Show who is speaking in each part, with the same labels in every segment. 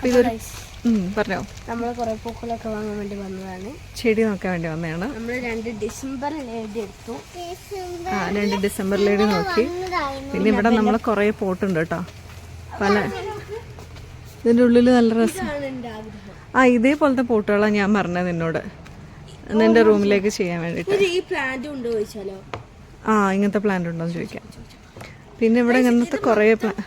Speaker 1: അപ്പോൾ ഇതൊരു പറഞ്ഞോ,
Speaker 2: നമ്മൾ കുറേ പൂക്കളൊക്കെ വാങ്ങാൻ വേണ്ടി വന്നതാണ്,
Speaker 1: ചെടി നോക്കാൻ വേണ്ടി വന്നതാണ്.
Speaker 2: നമ്മൾ 2 ഡിസംബറിൽ എടുത്തു.
Speaker 1: 2 ഡിസംബറിലേടി നോക്കി. പിന്നെ ഇവിടെ നമ്മൾ കുറേ പോട്ടുണ്ട് കേട്ടോ, പല ഇതിൻ്റെ ഉള്ളിൽ നല്ല രസം. ഇതേപോലത്തെ പോട്ടുകളാണ് ഞാൻ പറഞ്ഞത് നിന്നോട്, നിന്റെ റൂമിലേക്ക് ചെയ്യാൻ വേണ്ടിയിട്ട്.
Speaker 2: ഈ പ്ലാന്റ് ഉണ്ടോ ചോദിച്ചാലോ?
Speaker 1: ഇങ്ങനത്തെ പ്ലാന്റ് ഉണ്ടോ എന്ന് ചോദിക്കാം. പിന്നെ ഇവിടെ ഇങ്ങനത്തെ കുറേ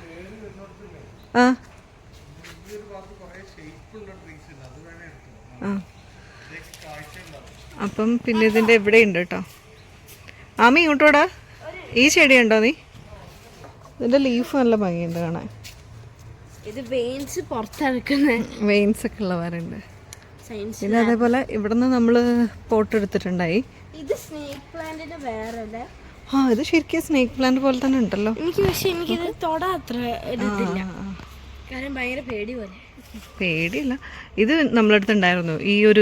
Speaker 1: അപ്പം പിന്നെ ഇതിൻ്റെ ഇവിടെ ഉണ്ട് കേട്ടോ. ആമി ഇങ്ങോട്ടോടാ, ഈ ചെടി ഉണ്ടോ നീ? ഇതിൻ്റെ ലീഫ് നല്ല ഭംഗിയുണ്ട് കാണാൻ.
Speaker 2: ഇത് വെയിൻസ് പുറത്തിറക്കുന്ന
Speaker 1: വെയിൻസ് ഒക്കെ ഉള്ളവരുണ്ട്. പിന്നെ അതേപോലെ ഇവിടുന്ന് നമ്മൾ പോട്ട് എടുത്തിട്ടുണ്ടായി.
Speaker 2: ഇത് സ്നേക്ക് പ്ലാന്റിന്റെ വേറെ
Speaker 1: ഇത് ശരിക്കും സ്നേക്ക് പ്ലാന്റ് പോലെ തന്നെ ഉണ്ടല്ലോ.
Speaker 2: പക്ഷെ എനിക്കിത് തൊടാ അത്ര ഇതില്ല, കാരണം ഭയങ്കര പേടി പോലെ.
Speaker 1: പേടിയല്ല, ഇത് നമ്മളടുത്തുണ്ടായിരുന്നു ഈ ഒരു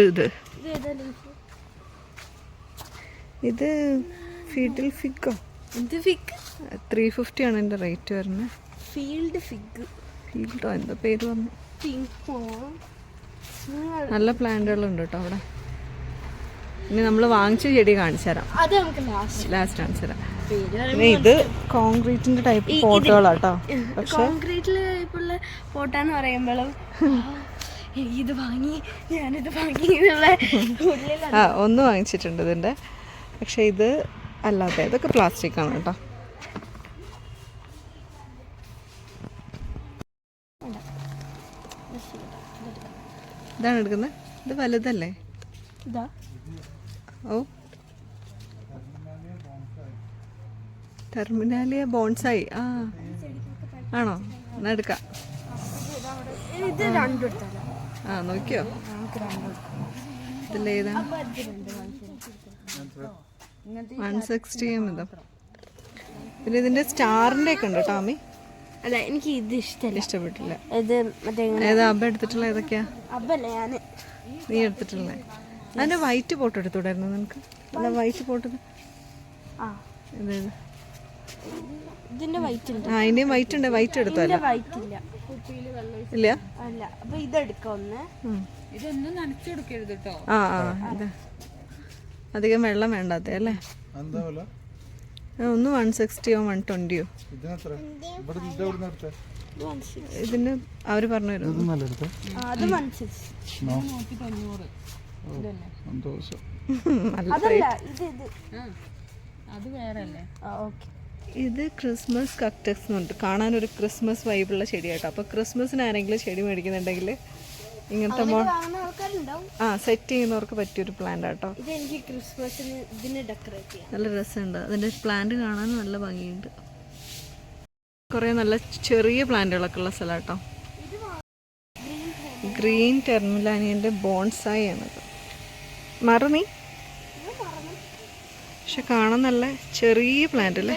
Speaker 1: ഇത് ഫീൽഡ് ഫിഗോ. 350 ആണ് എൻ്റെ റേറ്റ് വരുന്നത്. ഫീൽഡോ എന്താ പേര് പറഞ്ഞു. നല്ല പ്ലാന്റുകളുണ്ട് കേട്ടോ അവിടെ. ഇനി നമ്മൾ വാങ്ങിച്ച ചെടി കാണിച്ചു തരാം, ലാസ്റ്റ് കാണിച്ചു തരാം. പിന്നെ ഇത് കോൺക്രീറ്റിന്റെ ടൈപ്പ് പോട്ടുകളാട്ടോ. പക്ഷെ
Speaker 2: കോൺക്രീറ്റിൽ ടൈപ്പുള്ള പോട്ടാന്ന് പറയുമ്പോഴും ഇത് വാങ്ങി ഞാനിത് വാങ്ങി
Speaker 1: ഒന്ന് വാങ്ങിച്ചിട്ടുണ്ട് ഇതിന്റെ. പക്ഷെ ഇത് അല്ലാത്ത ഇതൊക്കെ പ്ലാസ്റ്റിക് ആണ് കേട്ടോ. ഇതാണ് എടുക്കുന്നത്. ഇത് വലുതല്ലേ? Terminalia bonsai. ആണോ? എന്നാ എടുക്കാം. നോക്കിയോ? ഇതിലേതാ? 160 ഇതാ. പിന്നെ ഇതിന്റെ സ്റ്റാറിന്റെ ഒക്കെ ഉണ്ട് കേട്ടോ ആമി.
Speaker 2: അല്ല, എനിക്ക് ഇത്
Speaker 1: ഇഷ്ടപ്പെട്ടില്ല.
Speaker 2: ഇത് മറ്റേ
Speaker 1: ഏതാ അബ്ബ എടുത്തിട്ടുള്ള? ഏതൊക്കെയാ നീ എടുത്തിട്ടുള്ളേ? അതിന്റെ വൈറ്റ് പോട്ട് എടുത്തൂടായിരുന്നു നിനക്ക്? അല്ല, വൈറ്റ് പോട്ട്
Speaker 2: ഇതിന്റെ വൈറ്റ് ഉണ്ട്.
Speaker 1: അതിന്റെയും വൈറ്റ് ഉണ്ട്. വൈറ്റ് എടുത്തല്ലോ? ഇല്ല.
Speaker 2: അപ്പൊ ഇതെടുക്കാം.
Speaker 3: ഇതൊന്നും നനച്ചെടുക്കരുത് കേട്ടോ.
Speaker 1: അധികം വെള്ളം വേണ്ടാത്ത അല്ലേ? ഒന്ന് 160 120. ഇതിന് അവര് പറഞ്ഞു തരും. ഇത് ക്രിസ്മസ് കക്ടസ് എന്നുണ്ട്. കാണാനൊരു ക്രിസ്മസ് വൈബുള്ള ചെടിയാട്ടോ. അപ്പോൾ ക്രിസ്മസിന് ആരെങ്കിലും ചെടി മേടിക്കുന്നുണ്ടെങ്കിൽ ഇങ്ങനത്തെ സെറ്റ് ചെയ്യുന്നവർക്ക് പറ്റിയൊരു പ്ലാന്റ് ആട്ടോ. നല്ല രസമുണ്ട്. അതിൻ്റെ പ്ലാന്റ് കാണാൻ നല്ല ഭംഗിയുണ്ട്. കുറേ നല്ല ചെറിയ പ്ലാന്റുകളൊക്കെ ഉള്ള സ്ഥലം കേട്ടോ. ഗ്രീൻ ടെർമിലാനിയൻ്റെ ബോൺസായി ആണത്. മറന്നീ? പക്ഷെ കാണാൻ നല്ല ചെറിയ പ്ലാന്റ് അല്ലേ?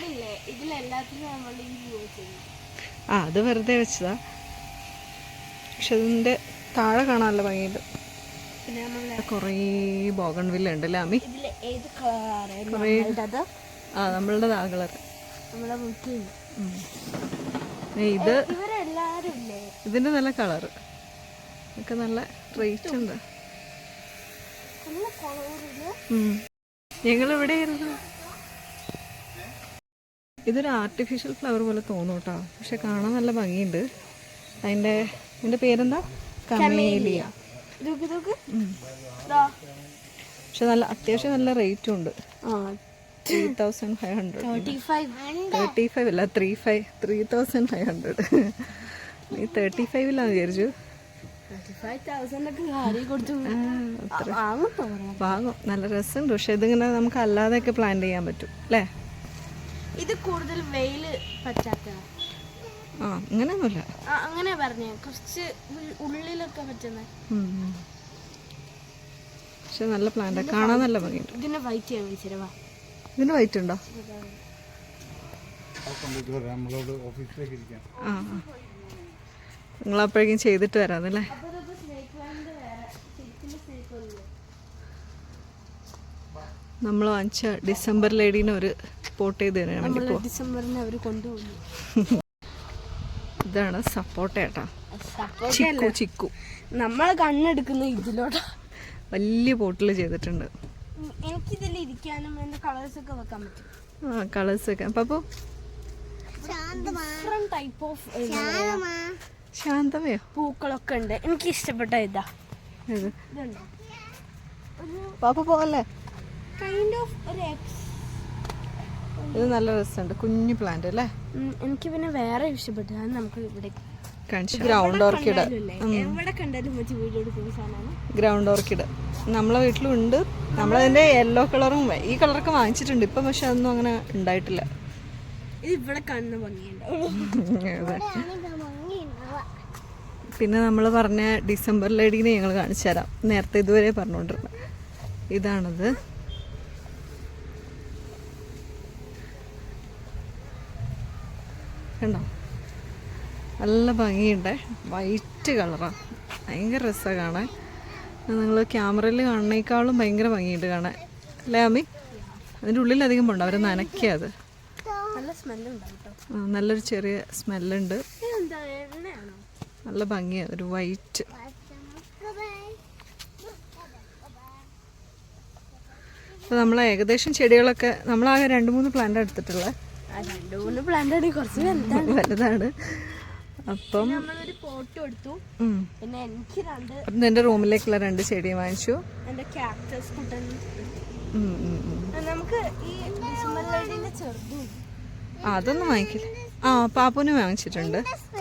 Speaker 1: അത് വെറുതെ വെച്ചതാ. പക്ഷെ അതിൻ്റെ താഴെ കാണാൻ നല്ല ഭംഗിയുണ്ട്. കുറേ ബോഗൺവില്ല ഉണ്ട് അല്ലേ ആമി? കുറേ നമ്മളുടെ ആ കളർ. ഇതിന്റെ നല്ല കളറ് ഒക്കെ നല്ല റേറ്റ് ഉണ്ട്. ഞങ്ങളിവിടെയായിരുന്നു. ഇതൊരു ആർട്ടിഫിഷ്യൽ ഫ്ലവർ പോലെ തോന്നും കേട്ടോ. പക്ഷെ കാണാൻ നല്ല ഭംഗിയുണ്ട്. അതിൻ്റെ പേരെന്താ? കമേലിയ. പക്ഷെ നല്ല അത്യാവശ്യം നല്ല റേറ്റും ഉണ്ട്. 3,500. 35 അല്ല, 3,500. നീ 35 വിചാരിച്ചു. വാങ്ങും. നല്ല രസമുണ്ട്. പക്ഷെ ഇതിങ്ങനെ നമുക്ക് അല്ലാതെയൊക്കെ പ്ലാൻ ചെയ്യാൻ പറ്റും അല്ലേ?
Speaker 2: ഇത് കൂടുതൽ വെയില് പറ്റാത്ത.
Speaker 1: അങ്ങനെയൊന്നുമില്ല.
Speaker 2: അങ്ങനെ പറഞ്ഞേ, കുറച്ച് ഉള്ളിലൊക്കെ പറ്റുന്ന.
Speaker 1: പക്ഷെ നല്ല പ്ലാന്റ് കാണാൻ നല്ല ഭംഗിയുണ്ട്.
Speaker 2: ഇതിന്റെ വൈറ്റ് ഞാൻ വിളിച്ചിരവാ.
Speaker 1: ഇതിന് വൈറ്റ് ഉണ്ടോ? നിങ്ങൾ അപ്പോഴേക്കും ചെയ്തിട്ട് വരാന്നല്ലേ? നമ്മൾ വാങ്ങിച്ച ഡിസംബർ ലേഡീനെ ഒരു പോട്ട് ചെയ്ത് തരാൻ വേണ്ടി
Speaker 2: ഡിസംബറിന് അവർ കൊണ്ടുപോകുന്നു.
Speaker 1: ഇതാണ് സപ്പോർട്ട ഏട്ടാ. ചിക്കു ചിക്കു
Speaker 2: നമ്മളെ കണ്ണെടുക്കുന്ന ഇതിലോട്ടാ.
Speaker 1: വലിയ പോട്ടിൽ ചെയ്തിട്ടുണ്ട്.
Speaker 2: എനിക്കിതിൽ ഇരിക്കാനും എന്റെ കളേഴ്സ് ഒക്കെ വെക്കാൻ പറ്റും.
Speaker 1: ആ കളേഴ്സ് ഒക്കെ പപ്പു
Speaker 2: ഡിഫറെന്റ് ടൈപ്പ് ഓഫ്
Speaker 1: ശാന്തമയോ
Speaker 2: പൂക്കളൊക്കെ ഉണ്ട്. എനിക്ക് ഇഷ്ടപ്പെട്ട ഇതാ.
Speaker 1: ഇത്
Speaker 2: ഇതുണ്ടോ
Speaker 1: പാപ്പ പോവല്ലേ?
Speaker 2: കൈൻഡ് ഓഫ് ഒരു എക്സ്.
Speaker 1: ഇത് നല്ല രസമുണ്ട്, കുഞ്ഞു പ്ലാന്റ് അല്ലേ.
Speaker 2: എനിക്ക് പിന്നെ വേറെ ഇഷ്ടപ്പെട്ടു. അത് നമുക്ക് ഇവിടെ
Speaker 1: കാണിച്ചു. ഗ്രൗണ്ട് ഓർക്കിഡ്,
Speaker 2: എവിടെ കണ്ടാലും മറ്റു വീഡിയോ എടുക്കുന്ന സാധനമാണ്
Speaker 1: ഗ്രൗണ്ട് ഓർക്കിഡ്. നമ്മളെ വീട്ടിലും ഉണ്ട്. നമ്മളതിന്റെ യെല്ലോ കളറും ഈ കളറൊക്കെ വാങ്ങിച്ചിട്ടുണ്ട് ഇപ്പം, പക്ഷെ അതൊന്നും അങ്ങനെ ഉണ്ടായിട്ടില്ല.
Speaker 2: ഇത് ഇവിടെ കാണുന്ന ഭംഗിയുണ്ടാവും.
Speaker 1: പിന്നെ നമ്മൾ പറഞ്ഞ ഡിസംബർ ലേഡീനെ ഞങ്ങൾ കാണിച്ചു തരാം. നേരത്തെ ഇതുവരെ പറഞ്ഞുകൊണ്ടിരുന്നത് ഇതാണത്. കണ്ടോ, നല്ല ഭംഗിയുണ്ട്. വൈറ്റ് കളറാണ്, ഭയങ്കര രസമാണ് കാണാൻ. നിങ്ങൾ ക്യാമറയിൽ കാണുന്നേക്കാളും ഭയങ്കര ഭംഗിയുണ്ട് കാണാൻ അല്ലേ അമ്മി? അതിൻ്റെ ഉള്ളിലധികം പോണ്ട്, അവർ നനയ്ക്കാത്.
Speaker 2: നല്ല സ്മെല്ലുണ്ടാവും കേട്ടോ.
Speaker 1: നല്ലൊരു ചെറിയ സ്മെല്ലുണ്ട്,
Speaker 2: ഇതെന്താ എണ്ണയാണോ?
Speaker 1: നല്ല ഭംഗിയാണ്, ഒരു വൈറ്റ്. അപ്പോൾ നമ്മൾ ഏകദേശം ചെടികളൊക്കെ നമ്മളാകെ 2-3 പ്ലാന്റ് എടുത്തിട്ടുള്ളത്.
Speaker 2: 2-3 പ്ലാന്റ് കുറച്ച്
Speaker 1: വലുതാണ്. അപ്പം
Speaker 2: നമ്മളൊരു പോട്ട് എടുത്തു. പിന്നെ എനിക്ക്
Speaker 1: എൻ്റെ റൂമിലേക്കുള്ള 2 ചെടി വാങ്ങിച്ചു.
Speaker 2: എന്റെ കാക്ടസ് കുട്ടൻ. നമുക്ക് ഈ ഡിസംബർ ലൈഡിന്റെ ചെറുതും
Speaker 1: അതൊന്നും വാങ്ങിക്കില്ല. ആ പാപ്പുന് വാങ്ങിച്ചിട്ടുണ്ട്.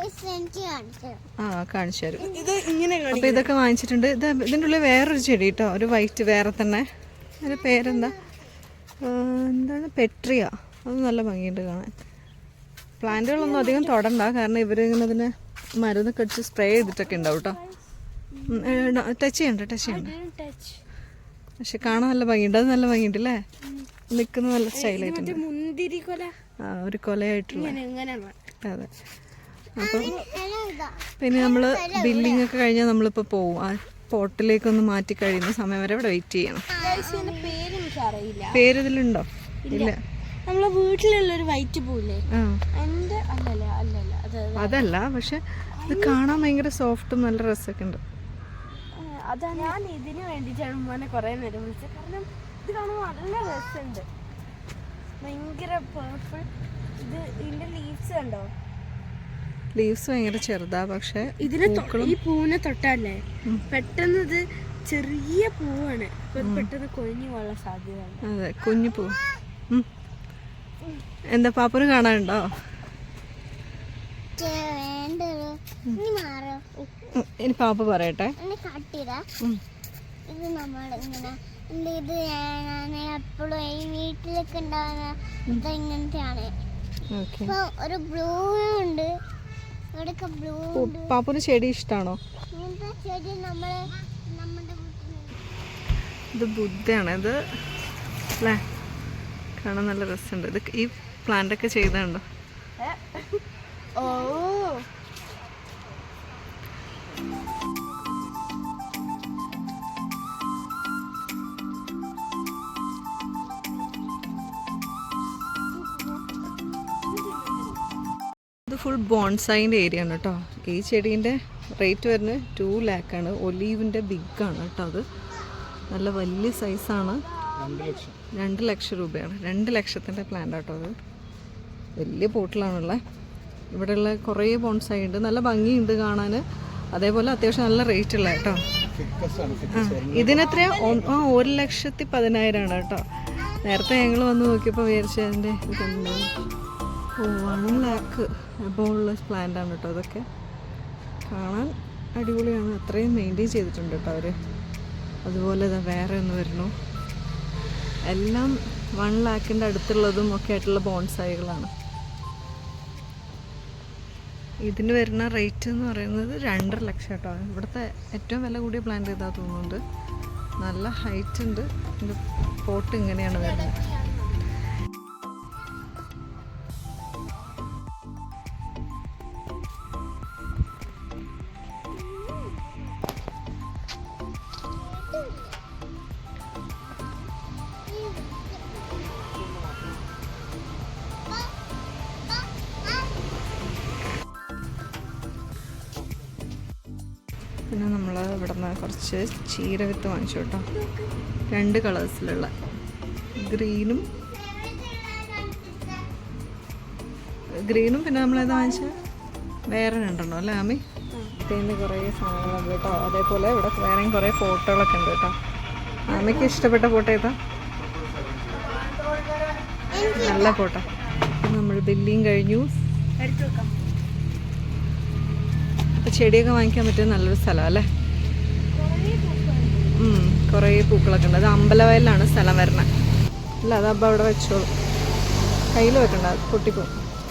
Speaker 1: ആ കാണിച്ചു തരും.
Speaker 2: ഇത് ഇങ്ങനെ
Speaker 1: അപ്പൊ ഇതൊക്കെ വാങ്ങിച്ചിട്ടുണ്ട്. ഇതിൻ്റെ ഉള്ളിൽ വേറൊരു ചെടി കേട്ടോ, ഒരു വൈറ്റ് വേറെ തന്നെ. അതിൻ്റെ പേരെന്താ, എന്താണ്, പെട്രിയ. അത് നല്ല ഭംഗിയുണ്ട് കാണാൻ. പ്ലാന്റുകളൊന്നും അധികം തൊടണ്ട, കാരണം ഇവരിങ്ങനെ ഇതിന് മരുന്ന് കടിച്ച് സ്പ്രേ ചെയ്തിട്ടൊക്കെ ഉണ്ടാവും കേട്ടോ. ടച്ച് ചെയ്യണ്ട. പക്ഷെ കാണാൻ നല്ല ഭംഗിയുണ്ട്. അത് നല്ല ഭംഗിയുണ്ട് അല്ലേ, നിൽക്കുന്ന നല്ല സ്റ്റൈലായിട്ടുണ്ട്.
Speaker 2: മുന്തിരി കൊല,
Speaker 1: ഒരു കൊലയായിട്ടുള്ള. അതെ. അപ്പം പിന്നെ നമ്മൾ ബില്ലിംഗ് ഒക്കെ കഴിഞ്ഞാൽ നമ്മളിപ്പോൾ പോവും. ആ പോട്ടിലേക്കൊന്ന് മാറ്റി കഴിയുന്ന സമയം വരെ ഇവിടെ വെയിറ്റ് ചെയ്യണം. പേര് ഇതിലുണ്ടോ? ഇല്ല.
Speaker 2: നമ്മളെ വീട്ടിലുള്ളൊരു വൈറ്റ് പൂല്ലേ,
Speaker 1: അതല്ല, പക്ഷെ ഇത് കാണാൻ ഭയങ്കര സോഫ്റ്റും നല്ല രസമൊക്കെ ഉണ്ട്.
Speaker 2: അതാ ഞാൻ ഇതിന് വേണ്ടിയിട്ടാണ് മോനെ കുറേ നേരം വിളിച്ചത്. കാരണം ഇത് കാണുമ്പോൾ നല്ല രസമുണ്ട്, ഭയങ്കര പേർപ്പിൾ. ഇത് ഇതിന്റെ ലീവ്സ് കണ്ടോ?
Speaker 1: ലീവ്സ് ഭയങ്കര ചെറുതാ, പക്ഷെ
Speaker 2: ഇതിന് ഈ പൂവിനെ തൊട്ടല്ലേ പെട്ടെന്ന് ഇത് ചെറിയ പൂവാണ്, പെട്ടെന്ന് കൊഴിഞ്ഞു പോകാനുള്ള സാധ്യതയാണ്.
Speaker 1: അതെ, കുഞ്ഞു പൂ. എന്താ പാപ്പന് കാണാനുണ്ടോ? ഇനി പാപ്പ പറയട്ടെ.
Speaker 4: ഇത് നമ്മളിങ്ങനെ ഇത് എപ്പോഴും ഈ വീട്ടിലൊക്കെ ഉണ്ടാകുന്ന ഇത് ഇങ്ങനത്തെയാണ്. ഒരു ബ്ലൂ ഉണ്ട്, ഇവിടെയൊക്കെ ബ്ലൂ.
Speaker 1: പാപ്പന് ചെടി ഇഷ്ടമാണോ?
Speaker 4: ഇങ്ങനത്തെ ചെടി നമ്മുടെ
Speaker 1: ഇത് ബുദ്ധയാണ് ഇത് അല്ലേ, കാണാൻ നല്ല രസമുണ്ട്. ഇത് ഈ പ്ലാന്റ് ഒക്കെ ചെയ്തതുണ്ടോ?
Speaker 2: ഓ
Speaker 1: ഇത് ഫുൾ ബോൺസൈൻ്റെ ഏരിയ ആണ് കേട്ടോ. ഈ ചെടീൻ്റെ റേറ്റ് വരുന്നത് 2 lakh. ഒലീവിൻ്റെ ബിഗാണ് കേട്ടോ. അത് നല്ല വലിയ സൈസാണ്. 2 ലക്ഷം രൂപയാണ്. 2 ലക്ഷത്തിൻ്റെ പ്ലാന്റ് കേട്ടോ. അത് വലിയ പോട്ടിലാണുള്ളത്. ഇവിടെയുള്ള കുറേ ബോൺസൈ ഉണ്ട്, നല്ല ഭംഗിയുണ്ട് കാണാൻ. അതേപോലെ അത്യാവശ്യം നല്ല റേറ്റ് ഉള്ള കേട്ടോ. ഇതിനെത്രയാ? 1,10,000 കേട്ടോ. നേരത്തെ ഞങ്ങൾ വന്ന് നോക്കിയപ്പോൾ വിചാരിച്ചതിൻ്റെ ഇതുണ്ട്. 1 lakh എബോവ് ഉള്ള പ്ലാന്റ് ആണ് കേട്ടോ. അതൊക്കെ കാണാൻ അടിപൊളിയാണ്, അത്രയും മെയിൻറ്റെയിൻ ചെയ്തിട്ടുണ്ട് കേട്ടോ അവർ. അതുപോലെ ഇതാ വേറെ ഒന്ന് വരുന്നു. എല്ലാം 1 lakhൻ്റെ അടുത്തുള്ളതും ഒക്കെ ആയിട്ടുള്ള ബോൺസായികളാണ്. ഇതിന് വരുന്ന റേറ്റ് എന്ന് പറയുന്നത് 2.5 ലക്ഷം കേട്ടോ. ഇവിടുത്തെ ഏറ്റവും വില കൂടിയ പ്ലാന്റ് ഇതാ തോന്നുന്നുണ്ട്. നല്ല ഹൈറ്റ് ഉണ്ട്. ഇതിൻ്റെ പോട്ട് ഇങ്ങനെയാണ് വരുന്നത്. പിന്നെ നമ്മൾ ഇവിടെ നിന്ന് കുറച്ച് ചീര വിത്ത് വാങ്ങിച്ചു കേട്ടോ, 2 കളേഴ്സിലുള്ള ഗ്രീനും പിന്നെ നമ്മളേതാ വാങ്ങിച്ചത് വേറെ 2 അല്ലേ ആമി? ഇതിന് കുറേ സാധനങ്ങളുണ്ട് കേട്ടോ. അതേപോലെ ഇവിടെ വേറെയും കുറേ ഫോട്ടോകളൊക്കെ ഉണ്ട് കേട്ടോ. ആമിക്ക് ഇഷ്ടപ്പെട്ട ഫോട്ടോ ഏതാ? നല്ല ഫോട്ടോ. നമ്മൾ ബില്ലിങ് കഴിഞ്ഞു. അപ്പോൾ ചെടിയൊക്കെ വാങ്ങിക്കാൻ പറ്റിയ നല്ലൊരു സ്ഥലം അല്ലേ? കുറേ പൂക്കളൊക്കെ ഉണ്ട്. അത് അമ്പലവയലിലാണ് സ്ഥലം വരുന്നത്. അല്ല അതപ്പോൾ അവിടെ വെച്ചോളൂ, കയ്യിൽ വെക്കണ്ട, അത് പൊട്ടിപ്പോവും.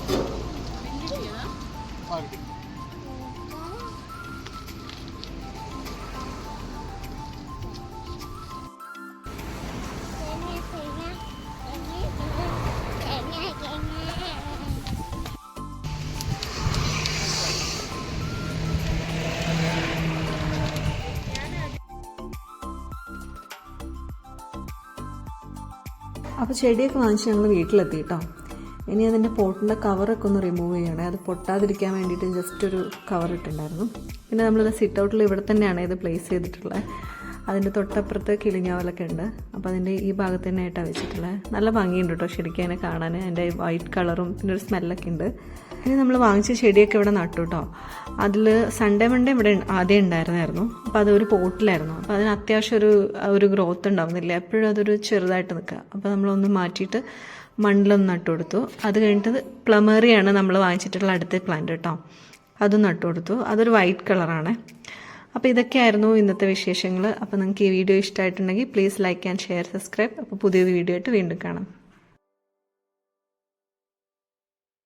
Speaker 1: അപ്പോൾ ചെടിയൊക്കെ വാങ്ങിച്ച് ഞങ്ങൾ വീട്ടിലെത്തി കേട്ടോ. ഇനി അതിൻ്റെ പോട്ടിൻ്റെ കവറൊക്കെ ഒന്ന് റിമൂവ് ചെയ്യണേ. അത് പൊട്ടാതിരിക്കാൻ വേണ്ടിയിട്ട് ജസ്റ്റ് ഒരു കവർ ഇട്ടുണ്ടായിരുന്നു. പിന്നെ നമ്മളിത് സിറ്റ് ഔട്ടിൽ ഇവിടെ തന്നെയാണ് ഇത് പ്ലേസ് ചെയ്തിട്ടുള്ളത്. അതിൻ്റെ തൊട്ടപ്പുറത്ത് കിളിഞ്ഞാവലൊക്കെ ഉണ്ട്. അപ്പോൾ അതിൻ്റെ ഈ ഭാഗത്ത് തന്നെ ആയിട്ടാണ് വെച്ചിട്ടുള്ളത്. നല്ല ഭംഗിയുണ്ട് കേട്ടോ ശരിക്കും അതിനെ കാണാൻ. അതിൻ്റെ വൈറ്റ് കളറും പിന്നെ ഒരു സ്മെല്ലൊക്കെ ഉണ്ട്. ഇനി നമ്മൾ വാങ്ങിച്ച ചെടിയൊക്കെ ഇവിടെ നട്ടു കേട്ടോ. അതിൽ സൺഡേ മൺഡേ ഇവിടെ ആദ്യം ഉണ്ടായിരുന്നായിരുന്നു. അപ്പോൾ അതൊരു പോട്ടിലായിരുന്നു. അപ്പോൾ അതിന് അത്യാവശ്യം ഒരു ഗ്രോത്ത് ഉണ്ടാവുന്നില്ല, എപ്പോഴും അതൊരു ചെറുതായിട്ട് നിൽക്കുക. അപ്പോൾ നമ്മളൊന്ന് മാറ്റിയിട്ട് മണ്ണിലൊന്ന് നട്ടു കൊടുത്തു. അത് കഴിഞ്ഞിട്ട് പ്ലമറിയാണ് നമ്മൾ വാങ്ങിച്ചിട്ടുള്ള അടുത്ത പ്ലാന്റ് കേട്ടോ. അതും നട്ടു കൊടുത്തു. അതൊരു വൈറ്റ് കളറാണ്. അപ്പോൾ ഇതൊക്കെയായിരുന്നു ഇന്നത്തെ വിശേഷങ്ങൾ. അപ്പോൾ നിങ്ങൾക്ക് ഈ വീഡിയോ ഇഷ്ടമായിട്ടുണ്ടെങ്കിൽ please like and share, subscribe. അപ്പോൾ പുതിയൊരു വീഡിയോ ആയിട്ട് വീണ്ടും കാണാം.